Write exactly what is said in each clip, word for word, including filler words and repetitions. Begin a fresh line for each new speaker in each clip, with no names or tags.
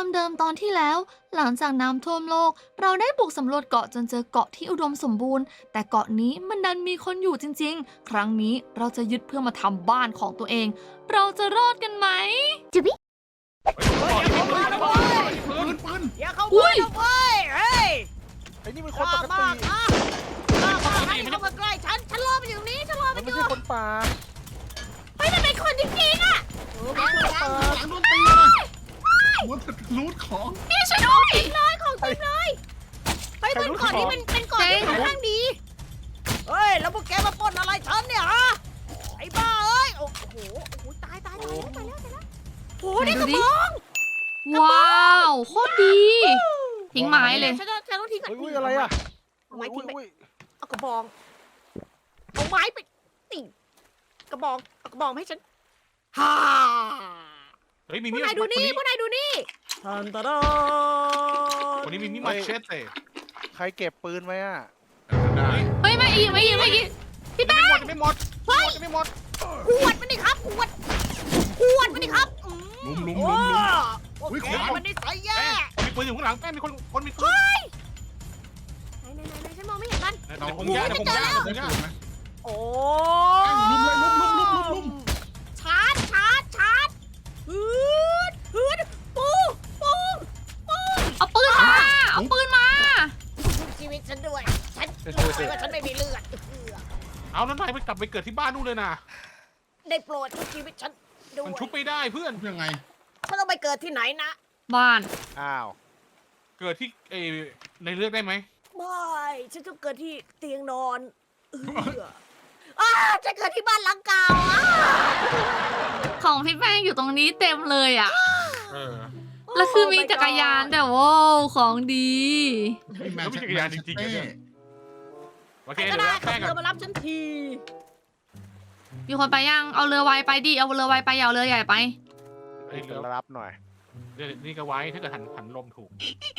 ความเดิมตอนที่แล้ว หลังจากน้ำท่วมโลก เราได้บุกสำรวจเกาะจนเจอเกาะที่อุดมสมบูรณ์ แต่เกาะนี้มันดันมีคนอยู่จริงๆ ครั้งนี้เราจะยึดเพื่อมาทำบ้านของตัวเอง เราจะรอดกันไหมจิบิ
ปืนปืน
อย่าเข้า
อุ้
มาย นะเว้ยเฮ้ย
ไอ้นี่มัน
ก
คนป
ล้าก
ติ
มากนะกล้ามากนะอย่าเข้ามาใกล้ฉัน ฉันรอมันอยู่ตรงนี้ ฉันรอ
มั
มัน นอ
ไม่
ยู่
ใช่คนป่า
เฮ้ยมันเป็นคนจริงๆอ่ะ
เออมันเป็นคนป่า
หลังโดนตีเลยมันรูดของ
นี่ช่วยด้วย
เลยของจริงเลยเฮ้ยมันก่อนนี้มันเป็นก่อนที่ค่อนข้างดี เฮ้ยแล้วพวกแกมาปล้นอะไรฉันเนี่ยฮะ ไอ้บ้าเอ้ย โอ้โห โอ้โห ตายตายตายแล้วตายแล้วตายแล้วโอ้โหนี่กระบอง
ว้าวโคตรดี ทิ้งไม้เลย
ฉันต้องฉันต้องทิ้งก่อน
อุ้ยอะไรอ่ะ
เอาไม้ทิ้งไป
อุ้ย
เอากระบอง เอาไม้ไปติ่งกระบอง เอากระบองมาให้ฉันฮ่า
เฮ้ยมี
พว
มี
ก
ด
นายดูนี่
ค
พวกนายดูนี่ทันตะดา
คนนี้มีมีดมาเชสเต้
ใครเก็บปืนไว้อ่ะ
ได้
เฮ้ยไม่อีกไม่อีกไม่อีกพี่แป้ง
ไม่หมดไม่หมด
เฮ้ย
ไม่หมด
ขวดมันดิครับขวดขวดมันดิครับอื
ลุมลุม
โอ้
ลุมลุม
โอ้
อุ๊ย
แก
ขวาน
มันนิสัยแย่
แป้งมีปืนอยู่ข้างหลังแป้งมีคนคนมีปืน
ไหนไหนไหนไหนฉันมองไม่เห็นมัน
ในพงหญ้าในพงหญ้าในพงหญ้า
โอ้
ลุมเลยลุมลุมลุมลุมลุม
ชาร์จชาร์จชาร์จฮืดฮืดปูปูปู
เอาปืนมา เอาปืนมา
ชุบชีวิตฉันด้วย ฉันรู้ไหมว่าฉันไม่มีเลือด
เอาแล้วนายไปกลับไปเกิดที่บ้านนู่นเลยนะ
ได้โปรดชุบชีวิตฉันด้วย
มันชุบไม่ได้เพื่อน
ยังไง
ฉันต้องไปเกิดที่ไหนนะ
บ้าน
อ้าว
เกิดที่เอในเลือกได้ไหม
ไม่ฉันต้องเกิดที่เตียงนอนเอออ้าจะเกิดที่บ้านหลังเก่าอ่ะ
ของพี่แป้งอยู่ตรงนี้เต็มเลยอ่ะ
เออ
แล้วคือมีจักรยานแต่ว้าวของดี
มีแมนเชสเต้
โอเค
ใครก็
เดี๋ยว
ได้
รับ
ขับ
แป้ง
เรื
กั
อน มารับฉันที
มีคนไปยัง เอาเรือไวไปดิ เอาเรือไวไปอย่าเอาเรือใหญ่ไป
เอ้ย
เดี๋
เดี๋
ย
ยว
วรับหน่อย
เดี๋ยวนี่ก็ไว้ถ้าเกิดหันหันลมถูก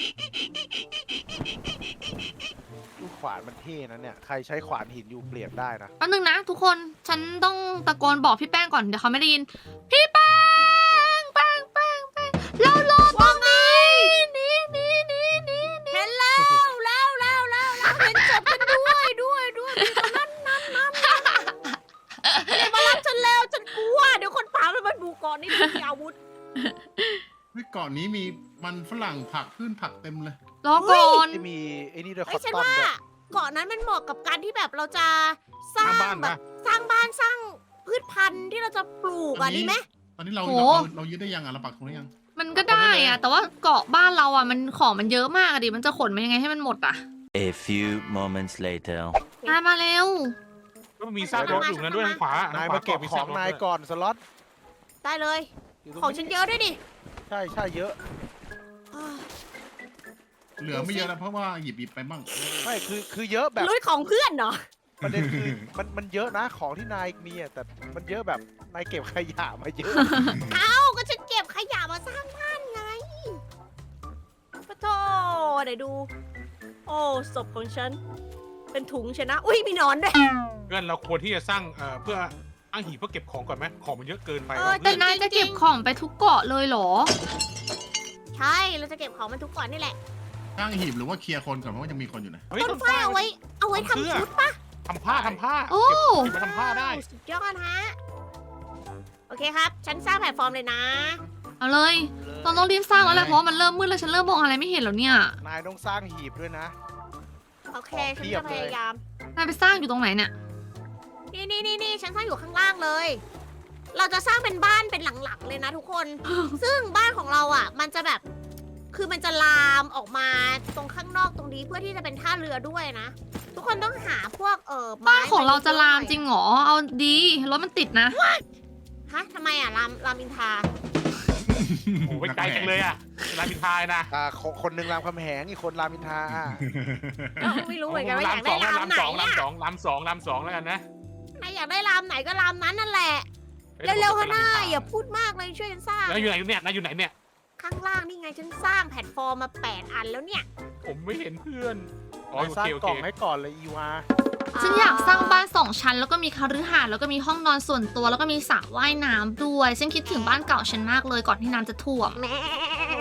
ลูกขวานมันเท่นะเนี่ย ใครใช้ขวานหินอยู่เปลี่ยนได้นะ
แป๊บนึงนะทุกคน ฉันต้องตะโกนบอกพี่แป้งก่อน เดี๋ยวเขาไม่ได้ยิน พี่แป้ง แป้งแป้งแป้งเรารอตรงนี้นี่นี่นี่นี่นี่
เห็นแล้วแล้วแล้วแล้วแล้วเห็นศพฉันด้วยด้วยด้วยมีคนนั้นนั้นนั้นเลยมารับฉันแล้วฉันกลัวเดี๋ยวคนป่ามันมาบุกก่อนนี่มีอาวุธ
เฮ้ยเกาะนี้มีมันฝรั่งผักพืชผักเต็มเลย
รอก่อน
ที่มีไอ้นี่ด้วยค
เฮ้
อย ต
ฉัน
ตอม
ว่า
ด้วย
เกาะนั้นมันเหมาะกับการที่แบบเราจะสร้า
สร้าง งบ้าน
แบ
ปะ
บสร้างบ้านสร้างพืชพันธุ์ที่เราจะปลูกอ่ะดีไหม
ตอนนี้เรา
โห
เราเรายึดได้ยังอ่ะเราปักตรงนี้ยัง
มันก็ได้อะแต่ว่าเกาะบ้านเราอะมันของมันเยอะมากอะดิ มันจะขนมันยังไงให้มันหมดอะ
A few moments later.
มามาเร็ว
ก็มีซากรถอยู่นั้นด้วยทางขวาน
ายมาเก็บของนายก่อนสล็อต
ได้เลย
ยู่ตร
ของฉันเยอะด้วยดิ
ใช่ใช่เยอะ
อ้าว
เหลือไม่เยอะแล้วเพราะว่าหยิบหยิบไปบ้าง
ไม่คือคือเยอะแบบ
ลุยของเพื่อนเหรอ
ประเด็นคือมันมันเยอะนะของที่นายมีอะแต่มันเยอะแบบนายเก็บขยะมาเยอะ
เอ้าก็ฉันเก็บขยะมาสร้างบ้านไงปะโทไหนดู โอ้ศพของฉัน เป็นถุงชนะ อุ้ยมีหนอนด้วย
เพื่อนเราควรที่จะสร้างเอ่อเพื่ออ้างหีบเพื่อเก็บของก่อนไหมของมันเยอะเกินไป
เออ
แต่นายจะเก็บของไปทุกเกาะเลยเหรอ
ใช่ เราจะเก็บของมันทุกก่อนนี่แหละ
ตั้งหีบหรือว่าเคลียร์คนก่อนเพราะว่ายังมีคนอยู่นะ
เฮ้ย
ต้นไฟเอาไว้ เอาไว้ทำชุดปะ
ทำผ้าทำผ้า
โอ้
เก็บเก็บมาทำผ้าได้
สุดยอดฮะ โอเคครับ ฉันสร้างแพลตฟอร์มเลยนะ
เอาเลย เราต้องรีบสร้างแล้วแหละเพราะว่ามันเริ่มมืดแล้วฉันเริ่มมองอะไรไม่เห็นแล้วเนี่ย
นายต้องสร้างหีบด้วยนะ
โอเค
ของ
ฉัน
เพียบ
จะ
เลย
พยายาม
นายไปสร้างอยู่ตรงไหนเนี่ย
นี่นี่นี่นี่ฉันสร้างอยู่ข้างล่างเลย เราจะสร้างเป็นบ้านเป็นหลังๆเลยนะทุกคน ซึ่งบ้านของเราอ่ะ มันจะแบบ คือมันจะลามออกมาตรงข้างนอกตรงนี้เพื่อที่จะเป็นท่าเรือด้วยนะ ทุกคนต้องหาพวกเออไม้
บ้านของเราจะลามจริ
ง
งเหรอ เอาดีรถมันติดนะ
ฮะทำไมอ่ะลามรามอินทรา
โอ้ไปไกลจังเลยอ่ะรามอินทรายนะ
อ่าคนคนหนึ่งรามคำแหงอีกคนรามอินทราอ่ะ
เอ้าไม่รู้เหมือนกันว่าอยากได้ราม
ลาม
ไหน
สองลาม
อ่ะ
สองลามสองลามสองแล้วกันนะ
นายอยากได้รามไหนก็รามนั้นนั่นแหละ เร็วๆค่ะนายอย่าพูดมากเลยช่วยกันสร้าง
แล้วอยู่ไหนเนี่ยนายอยู่ไหนเนี่ย
ข้างล่างนี่ไงฉันสร้างแพลตฟอร์มมาแปดอันแล้วเนี่ย
ผมไม่เห็นเพื่อนอ๋อ
นา
โอย
สร้าง
เคโอก
ล่
เค
องให้ก่อนเลยอีวา
ฉันอยากสร้างบ้านสองชั้นแล้วก็มีคฤหาสน์แล้วก็มีห้องนอนส่วนตัวแล้วก็มีสระว่ายน้ำด้วย ฉันคิดถึงบ้านเก่าฉันมากเลยก่อนที่น้ำจะท่วม
แม่โอ้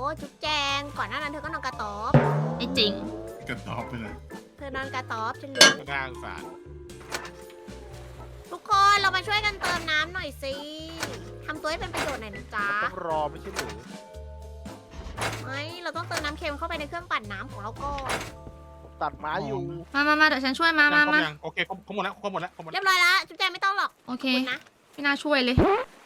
จุ๊บแจง ก่อนหน้านั้นเธอก็นอนกระต๊อบ
ไม่จริง
กระตอบไปเลย
เธอนอนกระต๊อบฉันรู้
ก็น่าสงสาร
ทุกคนเรามาช่วยกันเติมน้ำหน่อยสิทำตัวให้เป็นประโยชน์หน่อยนะจ๊ะ
ต้องรอไม่ใช่หรือ
ไม่เราต้องเติมน้ำเค็มเข้าไปในเครื่องปั่นน้ำของเราก่อน
ผมตัดไม้อยู่
มามามาเดี๋ยวฉันช่วยมามา
ครบ
มา
ยังโอเคครบครบหมดแล้วครบหมดแล้วครบหมด
เรี
แล้
ยว บร้อยแล้วจุ๊บแจงไม่ต้องหรอก
โอเค
คุณนะ
ไม่น่าช่วยเลย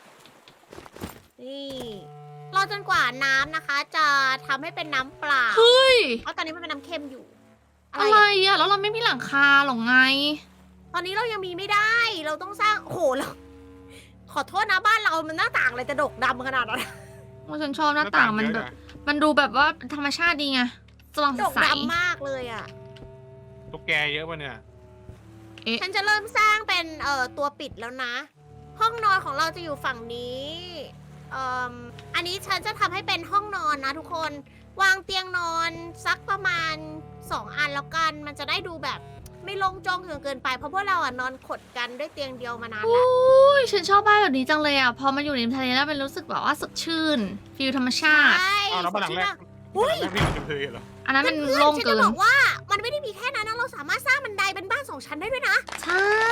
นี่รอจนกว่าน้ำนะคะ จะทำให้เป็นน้ำเปล่า
เฮ้ย
เพราะตอนนี้มันเป็นน้ำเค็มอยู่ อะไร
อะไร
อะ
อะแล้วเราไม่มีหลังคาหรอไง
ตอนนี้เรายังมีไม่ได้ เราต้องสร้างโอ้โหเราขอโทษนะบ้านเรามันหน้าต่างอะไรจะดกดำขนาดนั้น
ว่าฉันชอบหน้าต่างมันแบบ มันดูแบบว่าธรรมชาติดีไงสว่าง
ดก
ใส
ดำมากเลยอ่ะ
ตุ๊กแกเยอะป่ะเนี่ย
ฉันจะเริ่มสร้างเป็นเอ่อตัวปิดแล้วนะ ห้องนอนของเราจะอยู่ฝั่งนี้เอ่มอันนี้ฉันจะทำให้เป็นห้องนอนนะทุกคน วางเตียงนอนสักประมาณสองอันแล้วกัน มันจะได้ดูแบบไม่โลงโจงจนเกินไป เพราะพวกเราอ่ะนอนขดกันด้วยเตียงเดียวมานานแล้ว
อุ้ยฉันชอบบ้านแบบนี้จังเลยอ่ะ พอมาอยู่ริมทะเลแล้วมันรู้สึกแบบว่าสดชื่นฟิลธรรมชาติ
ใช่
อ้าวแล้วบ้านหลังแรก
อุ้ย
บ้านหลังแรกนี่มันจะเพลเหรอ
อันนั้นมัน
เพื่อนๆ
โล่ง
ฉัน
เกิ
จะ
น
บอกว่ามันไม่ได้มีแค่นั้นนะเราสามารถสร้างบันไดเป็นบ้านสองชั้นได้ด้วยนะ
ใช่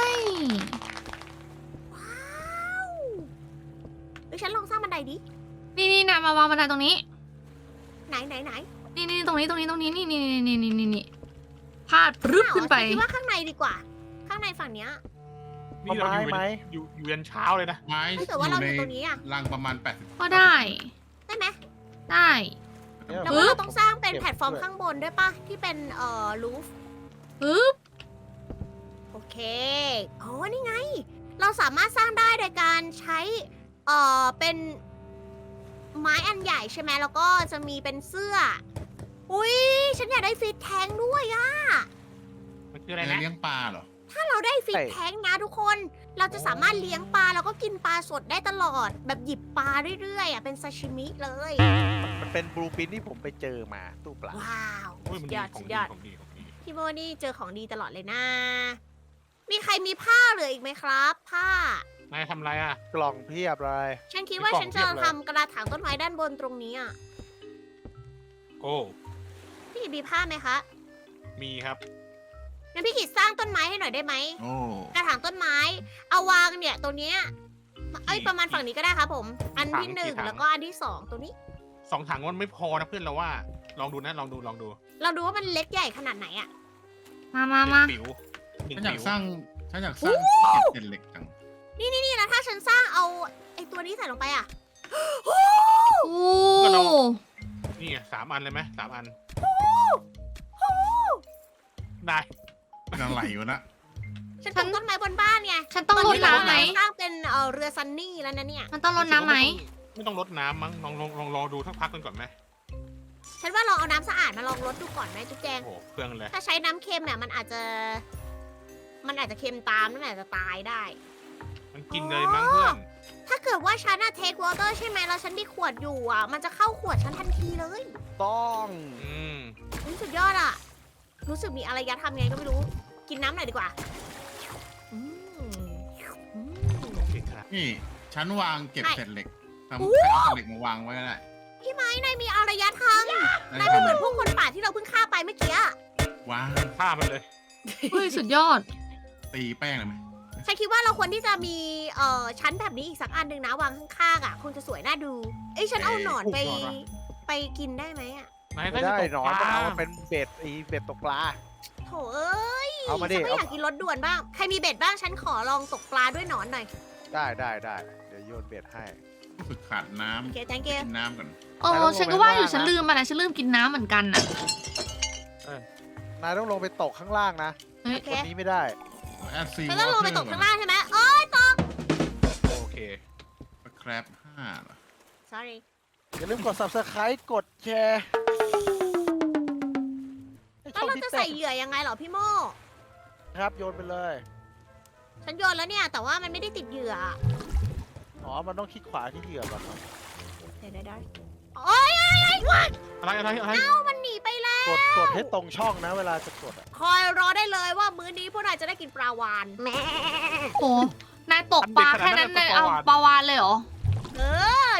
ว้าวเดี๋ยวฉันลองสร้างบันไดดิ
นี่นี่นะมาวางบันไดตรงนี้
ไหนไหนไหน
นี่นี่ตรงนี้ตรงนี้ตรงนี้นี่นี่นี่นี่นี่นี่นี่พาดปรึ๊บขึ้นไป
ฉัคิดว่าข้างในดีกว่า ข้างในฝั่งเนี้ย
นี่เราอยู่
ไม้
อยู่อยู่ยันเช้าเลยนะ
ไม้
ถ้าเกิดว่าเราอยู่ตรงนี้อะ
รังประมาณแปดสิบ
ก็ได้
ได้ไหม
ได้
เนี่ย
แล้วก็เราต้องสร้างเป็นแพลตฟอร์มข้างบนด้วยปะที่เป็นเอ่อรูฟ
ปึ๊บ
โอเคอ๋อนี่ไง เราสามารถสร้างได้โดยการใช้เอ่อเป็นไม้อันใหญ่ใช่ไหมแล้วก็จะมีเป็นเสื้อ อุ้ยฉันอยากได้ฟิตแทงด้วยอะ
มันคืออะไร
อะไร
นะ
เลี้ยงปลาเหรอ
ถ้าเราได้ฟิตแทงนะทุกคน เราจะสามารถเลี้ยงปลาแล้วก็กินปลาสดได้ตลอด แบบหยิบปลาเรื่อยๆอ่ะเป็นซาชิมิเลย
มันเป็นบลูปินที่ผมไปเจอมาตู้ปลา
ว้าว
โอ้ยมัน
สุด
ดี
ยอด
ขอ
สุ
ง
ด
ดี
ยอด
ของดีของดี
พี่โมนี่เจอของดีตลอดเลยนะ มีใครมีผ้าเหลืออีกไหมครับ ผ้า
นายทำอะไรอ่ะ
กล่องเพียบเลย
ฉันคิดว่า
มีกล่อง
ฉัน
เพี
จะ
ยบเลย
ทำกระถางต้นไม้ด้านบนตรงนี้อ่ะ
โอ้
พี่กิตมีผ้าไหมคะ
มีครับ
งั้นพี่กิตสร้างต้นไม้ให้หน่อยได้ไหม
โอ้
กระถางต้นไม้ เอาวางเนี่ยตรงเนี้ยเอ้ยประมาณฝั่งนี้ก็ได้ครับผม อันที่หนึ่งแล้วก็อันที่สองตรงนี้
สองถังมันไม่พอนะเพื่อนเราว่า ลองดูนะลองดูลองดู
เราดูว่ามันเล็กใหญ่ขนาดไหนอ่ะ
มามา
หนึ่
มา
งปิ๋วหนึ่ง
ฉันอยาก
ปิ๋ว
สร้างฉันอยากสร้างเก็บเศษเหล็กจัง
นี่นะถ้าฉันสร้างเอาไอ้ตัวนี้ใส่ลงไปอ่ะ
โอ้
นี่ไงสามอันเลยไหมสามอันได้
เป็นอะไรอยู่นะ
ฉันปลูกต้นไม้บนบ้านไง
ฉันต้องรดน้ำไหม
สร้างเป็นเอ่อเรือซันนี่แล้วนะเนี่ย
มันต้องรดน้ำไหม
ไม่ต้องรดน้ำมั้งลองลองลองรอดูสักพักกันก่อนไหม
ฉันว่าลองเอาน้ำสะอาดมาลองรดดูก่อนไหมจุ๊บแจง
โอ้โหเครื่องเลย
ถ้าใช้น้ำเค็มเนี่ยมันอาจจะ มันอาจจะเค็มตามนั่นอาจจะตายได้
มันกินเลยมั้งเพื่อน
ถ้าเกิดว่าฉันอะเทควอเตอร์ใช่ไหมแล้วฉันมีขวดอยู่อ่ะ มันจะเข้าขวดฉันทันทีเลย
ต้อง
อืม
อุ๊ยสุดยอดอ่ะ รู้สึกมีอารยธรรมไงก็ไม่รู้ กินน้ำหน่อยดีกว่าอืมอืม
โอเคครับ
นี่ฉันวางเก็บ
ใช่
เศษเหล็กทำ
โอ้
ใครเอาเศษเหล็กมาวางไว้ก็ได้
พี่ไม้นายมีอารยธรรม
ได้
นายเป็นเหมือนพวกคนป่าที่เราเพิ่งฆ่าไปเมื่อกี้อะ
วาง
ฆ่ามันเลย
เฮ้ยสุดยอด
ตีแป้งเลยไหม
ฉันคิดว่าเราควรที่จะมีเอ่อชั้นแบบนี้อีกสักอันหนึ่งนะวางข้างๆอ่ะคงจะสวยน่าดู เอ้ยฉันเอาหนอนไป
หนอนวะ
ไปกินได้ไหมอ่ะ
นาย
ไม่
ได้
ได้
จะตก
หนอน
ป
มัน
ลา
เอามาเป็นเบ็ดไอีเบ็ดตกปลา
โถเอ้ย
เอามาดิ
ฉันไม่
เอา
อยากกินรสด่วนบ้าง ใครมีเบ็ดบ้างฉันขอลองตกปลาด้วยหนอนหน่อย
ได้ได้ได้เดี๋ยวโยนเบ็ดให้
รู้สึกขาดน้
โอเค thank
ำ
you
กินน้ำก่อน
โอ้ฉันก็ว่าอยู่ฉันลืมอะไรฉันลืมกินน้ำเหมือนกันน่ะ
นายต้องลงไปตกข้างล่างนะ
เฮ้ย
โอเค
คนนี้ไม่ได้
แอดซี
ฉันต้องลงไปตกข้างล่างใช่ไหมเอ้ยตก
โอเค
แครบห้าเหรอ
sorry
อย่าลืมกด subscribe กดแชร์ให้
แล้ว
ช่อง
เรา
พี่
จะ
เต้
ใส่เหยื่อยังไงเหรอพี่โม
ครับโยนไปเลย
ฉันโยนแล้วเนี่ย แต่ว่ามันไม่ได้ติดเหยื่อ
อ๋อ มันต้องคลิกขวาที่เหยื่อก่อนครับ
เดี๋ยวได้โอ้ยอะไรวะ
อะไรอะไรอะไร
เอ้ามันหนีไปแล้ว
กดกดให้ตรงช่องนะ เวลาจะกดอะ
คอยรอได้เลยว่ามื้อนี้พวกนายจะได้กินปลาวานแม่
โหนายตกปลาแค่นั้นนายเอาปลาวานเลยเหรอ
เออ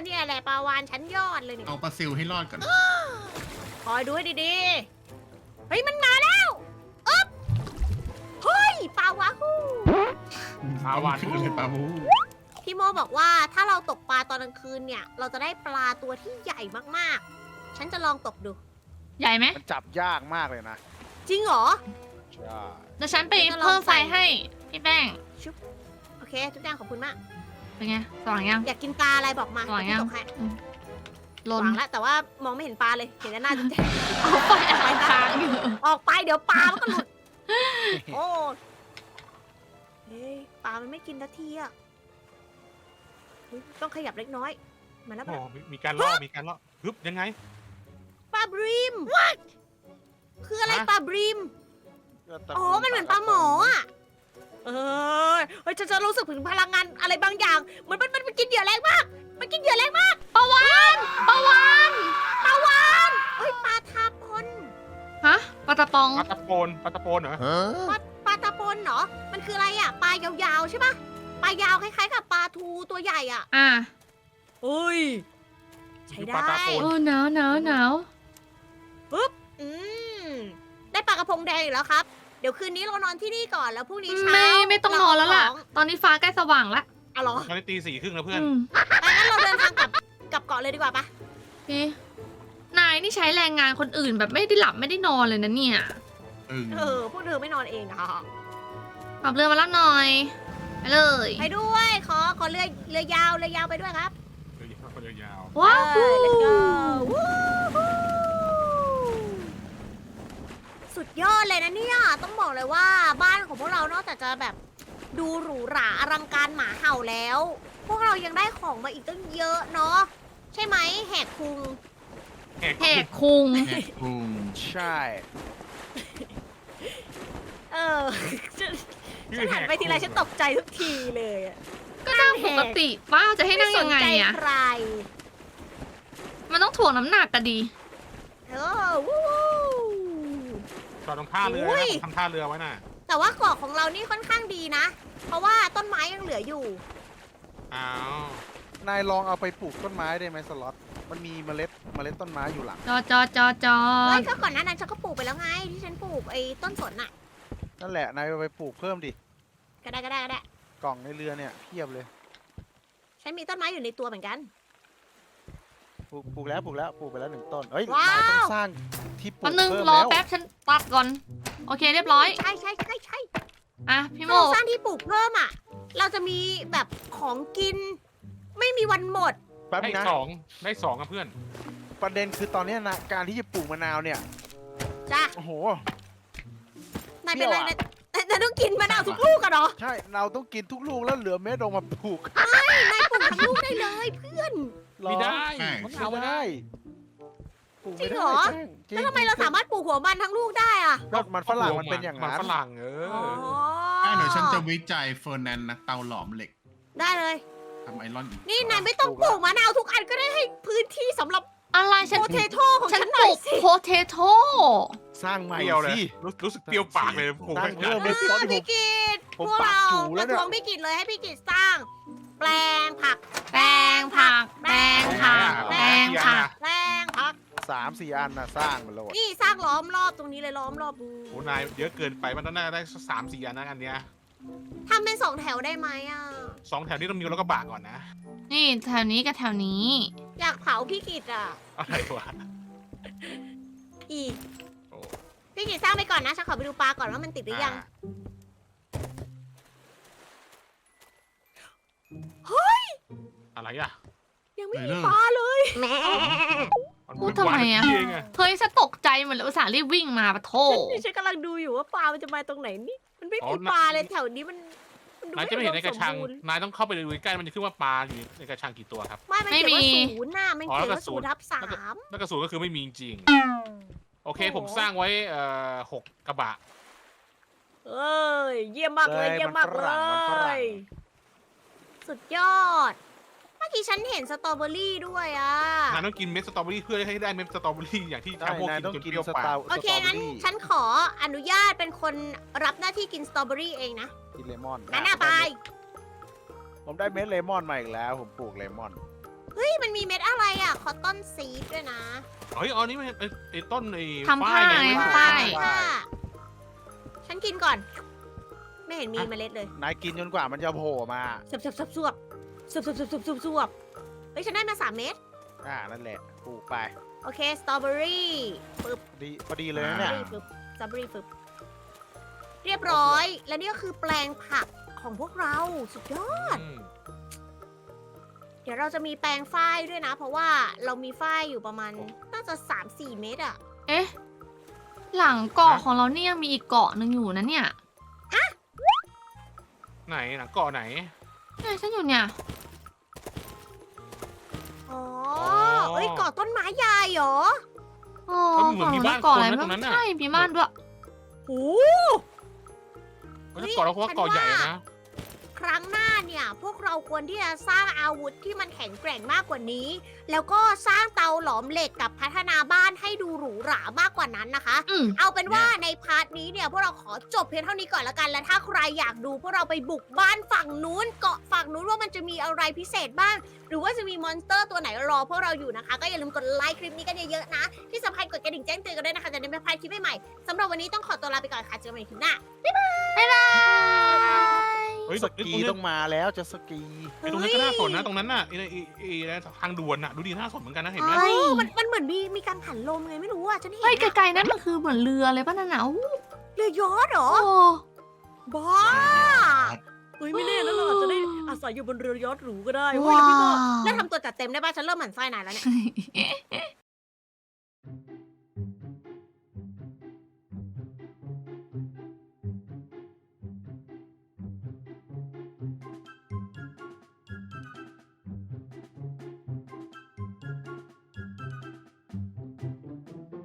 เนี่ยแหละปลาวานชั้นยอดเลยนี่
เอาปลาซิลให้รอดก่อน
คอยดูให้ดีๆ เฮ้ยมันมาแล้วอึ๊บเฮ้ยปลาวาฮู
ปลาวาน
คือเลยปลาบู
พี่โมบอกว่าถ้าเราตกปลาตอนกลางคืนเนี่ย เราจะได้ปลาตัวที่ใหญ่มากๆ ฉันจะลองตกดู
ใหญ่ไหม
มันจับยากมากเลยนะ
จริงเหรอ
ใช่
เดี๋ยวฉันไปเพิ่มไฟให้พี่แป้ง
โอเคทุกอย่างขอบคุณมาก
เป็นไงสว่างยัง
อยากกินปลาอะไรบอกมา
สว่างยัง
เดี๋วพี่ตกให้
อืม
ห
ลน
วางแล้วแต่ว่ามองไม่เห็นปลาเลย เห็นแต่หน้าจุ๊บแจ๊
เอาไฟอะไรค้างอยู่
ออกไปเดี๋ยวปลามันก็หลุด โอ้เฮ้ยปลามันไม่กินนาทีอ่ะเฮ้ยต้องขยับเล็กน้อย มาแล้ว
โอ้
มาแล้ว
มีมีการล่อมีการล่อฮึบยังไง
ปลาบริมคืออะไร
ฮะ
ปลาบริม อ๋อ มันเหมือนปลาหมออ่ะ เออเฮ้ยฉันจะรู้สึกถึงพลังงานอะไรบางอย่าง เหมือนมันมันมันกินเหยื่อแรงมาก มันกินเหยื่อแรงมาก
ปลาวานปลาวาน
ปลาวานเฮ้ยปลาทาพน
ฮะปลาตะปอง
ปลาตะโปนปลาตะโปนเหรอ
ปลาปลาตาพนเหรอ มันคืออะไรอ่ะ ปลายาวๆใช่ปะปลายาวคล้ายๆกับปลาทูตัวใหญ่อ่ะ
อ่ะ
เฮ้ย ใช้
ปลา
ได้
ตาโปน
โอ้หนาวหนาวหนาว
อืม ได้ปลากระพงแดงอีกแล้วครับ เดี๋ยวคืนนี้เรานอนที่นี่ก่อนแล้วพรุ่งนี้เช้า
ไม่ไม่ต้องนอนแล้วล่ะ
เราเอาของ
ตอนนี้ฟ้าใกล้สว่างแล้ว
อ๋อเหรอ
ตอนนี้ตีสี่ครึ่งแล้วเพื่อน
อืม
ไปงั้นเราเดินทางกลับกลับเกาะเลยดีกว่าปะ
พี่นายนี่ใช้แรงงานคนอื่นแบบไม่ได้หลับไม่ได้นอนเลยนะเนี่ย
อึ่ง
เออ พวกเธอไม่นอนเองอะ
ขับเรือมารับหน่อย ไปเลย
ไปด้วย ขอ ขอเรือเรือยาว เรือยาวไปด้วยครับ
เดี๋ยวยาวเดี๋ยวยาว
ว้าว
เออ let's go วู้ฮู้สุดยอดเลยนะเนี่ย ต้องบอกเลยว่าบ้านของพวกเรานอกจากจะแบบดูหรูหราอลังการหมาเห่าแล้ว พวกเรายังได้ของมาอีกตั้งเยอะเนาะ ใช่ไหมแหกคุง
แหก
แหกคุง
แหกพุง
ใช่
เออ ฉัน
ชื่
ฉั
อน แห
หัน
ก
ไปทีไรฉันตกใจทุกทีเลยอะ
ก็นั่งปกติป้าจะให้นั่งยังไง
ม่สนใจ
อะ
ใคร
มันต้องถ่วงน้ำหนักกันดี
เออวู้
จอดตรงท่าเรือ
อุ้
นะ
ย
ผมทำท่าเรือไว้น่ะ
แต่ว่าเกาะของเรานี่ค่อนข้างดีนะ เพราะว่าต้นไม้ยังเหลืออยู่
อ้าวน
ายลองเอาไปปลูกต้นไม้ได้ไหมสล็อต มันมีเมล็ดเมล็ดต้นไม้อยู่หลัง
จอจอจอจอ
เฮ้ยก็ก่อนหน้านั้นฉันก็ปลูกไปแล้วไง ที่ฉันปลูกไอ้ต้นสนน่ะ
นั่นแหละ นายเอาไปปลูกเพิ่มดิ
ก็ได้ก็ได้ก็ได้
กล่องในเรือเนี่ยเพียบเลย
ฉันมีต้นไม้อยู่ในตัวเหมือนกัน
ปลูกปลูกแล้วปลูกแล้วปลูกไปแล้วหนึ่งต้น เฮ้ย
ว้าว
นายต้องสร้างที่ปลู
แป๊
ก
บนึง
เพิ่ม
รอ
แล้ว
แป๊บฉันตัดก่อน โอเคเรียบร้อย
ใช่ใช่ใช่ใช่
อ่ะพี่โม
ถ้าเราสร้างที่ปลูกเพิ่มอ่ะ เราจะมีแบบของกิน ไม่มีวันหมด
แป๊บ
ได้
นึงนะ
สองได้สองอะเพื่อน
ประเด็นคือตอนเนี้ยนะการที่จะปลูกมะนาวเนี่ย
จ้ะ
โอ้โห
นายเป็นไร
เปรี้ยวอะ
นายนายต้องกินมะนาวทุกลูกกันเหรอ
ใช่ เราต้องกินทุกลูกแล้วเหลือเม็ดออกมาปลูก
นายปลูกทั้งลูกได้เลยเพื่อน
หรอ
ไม่ได้
มะนาวไม่ได้ปลูกไม่
จริง
ได้
เหรอ
แจ้งจง
แล้วทำไมเราสามารถปลูกหัวมันทั้งลูกได้อะ
ก็มันฝรั่งมันเป็นอย่าง
มัน
นั้น
ฝรั่งเออ
อ๋อ
อ่ะเดี๋ยวฉันจะวิจัยเฟอร์นันนักเตาหลอมเหล็ก
ได้เลย
ทำไอรอนอีก
นี่นายไม่ต้องปลูกมะนาวทุกอันก็ได้ให้พื้นที่สำหรับ
อะไรฉัน
โพเทโต้ของ
ฉัน
ฉันห
ป
น่อ
ลู
ย
ก
สิ
โพเทโต้
สร้างใหม่
เปรี้ยวเลย
สิ
รู้รู้สึกเปรี้ยวปากเลยผม
ตั้ง
ขนาด
เพิ่ม
นั้น
เลย
พี่กิต
ผม
พวก
ปาก
เรา
จู
ป
แล้ว
ระ
เนี่ย
ท้วงพี่กิตเลยให้พี่กิตสร้าง แปลงผัก
แปลงผัก แปลงผัก แปลงผัก
แปลงผัก
สามสี่อันนะสร้างมาโหลด
นี่สร้างล้อมรอบตรงนี้เลยล้อมรอบดู
โอ้นายเยอะเกินไปมันต้องน่าได้สามสี่อันนะอันเนี้ย
ทำเป็นสองแถวได้ไหมอ่ะ
สองแถวนี้ต้องมีรถกระบะก่อนนะ
นี่แถวนี้กับแถวนี้
อยากเผาพี่กิตอ่ะ
อะไรวะ
อีก
โอ้
พี่กิตสร้างไปก่อนนะฉันขอไปดูปลาก่อนว่ามันติดหรือยัง
อะไรอ่ะ
ยังไม่
ไหน
มี
เลิก
ปลาเลยแม่
น
พูดทำไมอะ
เองอะ
เฮ้ยฉันตกใจเหมือนเลยอุตส่าห์รีบวิ่งมาปะโท
ฉันฉันกำลังดูอยู่ว่าปลามันจะมาตรงไหนนี่ มันไม่มีปลาเลยแถวนี้มันมันดู
นายจะไม่เห็นในกระชัง
อุดมสมบูรณ์
นายต้องเข้าไปดูใกล้ๆมันจะขึ้นว่าปลาอยู่ในกระชังกี่ตัวครับ
ไม่ มันเขียนว่าศูนย์น่ะมัน
อ๋อ
เขียน
แล้วก็
ว่า
ศู
ศู
น
น
ย์
ย์ทับสาม
แล้วกระสุนก็คือไม่มีจริง โอเค
โอ้โห
ผมสร้างไว้เอ่อหกกระบะ
เอ้ย เยี่ยมมากเลย
เลย
เยี่ยมมาก
มันฝ
เล
รั่งมันฝรั่ง
ย สุดยอด เมื่อกี้ฉันเห็นสตรอเบอรี่ด้วยอ่ะ
นายต้องกินเม็ดสตรอเบอรี่เพื่อให้ได้เม็ดสตรอเบอรี่อย่างที่
ได้
ชาโม
นาย
กิน
ต้อง
จน
กิน
เปรี้ยว
ส
ปาก
ตาร์
โอเค
สตรอ
งั้น
เบอรี่
ฉันขออนุญาตเป็นคนรับหน้าที่กินสตรอเบอรี่เองนะ
กินเลมอน
งั้นน่ะไป
ผมได้เม็ดเลมอนมาอีกแล้ว ผมปลูกเลมอน
เฮ้ย มันมีเม็ดอะไรอ่ะ คอตตอนซีดด้วยนะ
เฮ้ยเอานี่ไม่ไอ้ไอ้ต้นไอ้
ทำผ้า
ฝ้ย
ไง
ไง
ฝ้าย
ค่ะฉันกินก่อน ไม่เห็นมีเมล็ดเลย
นายกินจนกว่ามันจะโผล่มา
สับสับสับสวบสับสับสับสับสับสวบเฮ้ย ฉันได้มาสามเม็ด
อ่านั่นแหละปลูกไป
โอเค สตรอเบอรี่ปึ๊บ
ดีพอดีเลยนะ
สตรอ
เนี่ย
เบอรี่ปึ๊บสตรอเบอรี่ปึ๊บ เรียบร้อย และนี่ก็คือแปลงผักของพวกเรา สุดยอด
อืม
เดี๋ยวเราจะมีแปลงฝ้ายด้วยนะ เพราะว่าเรามีฝ้ายอยู่ประมาณ น่าจะ สามสี่ เม็ดอะ
เอ๊ะ หลังเกาะของเราเนี่ยยังมีอีกเกาะหนึ่งอยู่นะเนี่ย
ไหนหนังเกาะไหน
เนี่ยฉันอยู่เนี่ย
อ๋อ
อ๋อ
เอ้ยก่อต้นไม้ใหญ่เหรอ
โอ้
เอ้ยเหมือนมีบ้าน
เกาะอะไร
คนนะ
บ้า
ตรงนั้นน่ะ
ใช่มีบ้านด้วย
โอ้
เฮ้ยเกาะเราเพราะว่าเกาะใหญ่นะ
ครั้งหน้าเนี่ย พวกเราควรที่จะสร้างอาวุธที่มันแข็งแกร่งมากกว่านี้ แล้วก็สร้างเตาหลอมเหล็กกับพัฒนาบ้านให้ดูหรูหรามากกว่านั้นนะคะ
อืม
เอาเป็นว่าในพาร์ทนี้เนี่ยพวกเราขอจบเพียงเท่านี้ก่อนละกัน และถ้าใครอยากดูพวกเราไปบุกบ้านฝั่งนู้นเกาะฝั่งนู้นว่ามันจะมีอะไรพิเศษบ้าง หรือว่าจะมีมอนสเตอร์ตัวไหนรอพวกเราอยู่นะคะ ก็อย่าลืมกดไลค์คลิปนี้กันเยอะๆนะ ที่สำคัญกดกระดิ่งแจ้งเตือนกันด้วยนะคะจะได้ไม่พลาดคลิปใหม่ๆสำหรับวันนี้ต้องขอตัวลาไปก่อนค่ะเจอกันใหม่คลิปหน้า
บ๊ายบาย
เฮ้ย
ส
ไอ้
กี
ตรงเนี้ย
ต้องมาแล้วจะสกี
ไอ้ตรงนั้นก็น่าสนนะตรงนั้นน่ะไอ้ไอ้ไอ้ไอ้ทางด่วนน่ะดูดีน่าสนเหมือนกันนะเห็นไหม
เฮ้ย
มันมันเหมือนมีมีการผันลมไงไม่รู้อ่ะฉันเห็น
เฮ้ย
อะ
ไกลๆนั่นมันคือเหมือนเรือเลยป่ะนั่นน่ะอู้
เรือยอชต์เหรอ
โอ้
บ้าเฮ้ยไม่แน่นะเราอาจจะได้อาศัยอยู่บนเรือยอชต์หรูก็ได้เว้ยแล้วพี่ก็แล้วทำตัวจัดเต็มได้ป่ะฉันเริ่มหมั่นไส้นายแล้วเนี่ย